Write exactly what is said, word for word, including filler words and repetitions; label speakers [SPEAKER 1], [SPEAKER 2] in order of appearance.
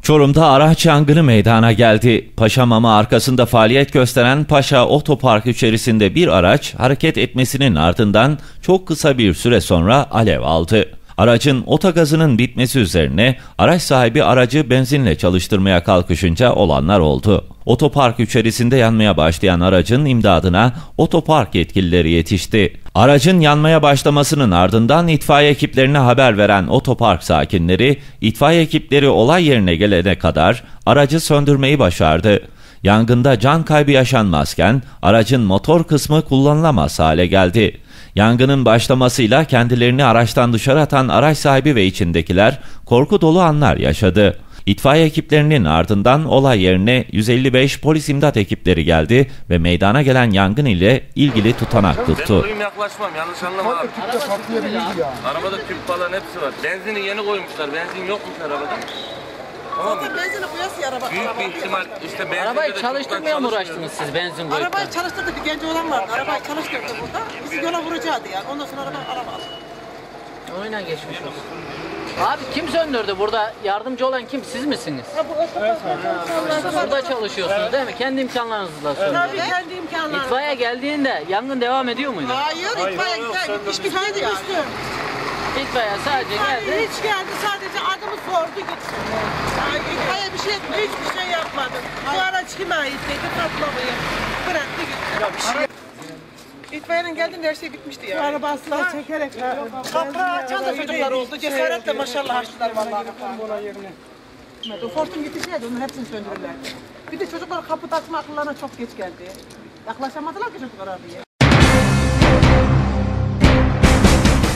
[SPEAKER 1] Çorum'da araç yangını meydana geldi. Paşamama arkasında faaliyet gösteren Paşa Otopark içerisinde bir araç hareket etmesinin ardından çok kısa bir süre sonra alev aldı. Aracın otogazının bitmesi üzerine araç sahibi aracı benzinle çalıştırmaya kalkışınca olanlar oldu. Otopark içerisinde yanmaya başlayan aracın imdadına otopark yetkilileri yetişti. Aracın yanmaya başlamasının ardından itfaiye ekiplerine haber veren otopark sakinleri, itfaiye ekipleri olay yerine gelene kadar aracı söndürmeyi başardı. Yangında can kaybı yaşanmazken aracın motor kısmı kullanılamaz hale geldi. Yangının başlamasıyla kendilerini araçtan dışarı atan araç sahibi ve içindekiler korku dolu anlar yaşadı. İtfaiye ekiplerinin ardından olay yerine yüz elli beş polis imdat ekipleri geldi ve meydana gelen yangın ile ilgili tutanak tuttu.
[SPEAKER 2] Ben yaklaşmam, yanlış anlama abi. Arabada tüp falan hepsi var. Benzini yeni koymuşlar, benzin yokmuş arabada. Tamam mı?
[SPEAKER 3] Benzini koyası araba.
[SPEAKER 2] Büyük bir ihtimal işte benzin.
[SPEAKER 4] Arabayı çalıştırmaya mı uğraştınız siz benzin koyup?
[SPEAKER 3] Arabayı çalıştırdı, bir genç olan vardı. Arabayı çalıştırdı burada. Bizi yola vuracaktı yani. Ondan sonra araba araba aldı.
[SPEAKER 4] Oyuna geçmiş olsun. Abi kim söndürdü burada? Yardımcı olan kim? Siz misiniz?
[SPEAKER 3] Ha, bu otopark
[SPEAKER 4] Siz burada çalışıyorsunuz değil mi? Kendi imkanlarınızla söndürdünüz.
[SPEAKER 3] Tabii kendi imkanlarım.
[SPEAKER 4] İtfaiye geldiğinde yangın devam ediyor muydu?
[SPEAKER 3] Hayır, itfaiye gitti. Hiç bitmedi yani.
[SPEAKER 4] İtfaiye sadece geldi.
[SPEAKER 3] Hiç geldi, sadece adımı sordu gitti. Yani itfaiye bir şey etmedi, hiçbir şey yapmadı. Bu araç kime ait dedi, patlamayı. Bıraktı gitti. İtfaiyenin geldiğinde her şey bitmişti ya. Yani. Araba asla çekerek. Kapağı açan da çocuklar oldu. Cesaretle maşallah açtılar vallahi. O Fortun gideceğiydi, onun hepsini söndürürlerdi. Bir de çocuklar kapı takma akıllarına çok geç geldi. Yaklaşamadılar ki çocuklar abiye.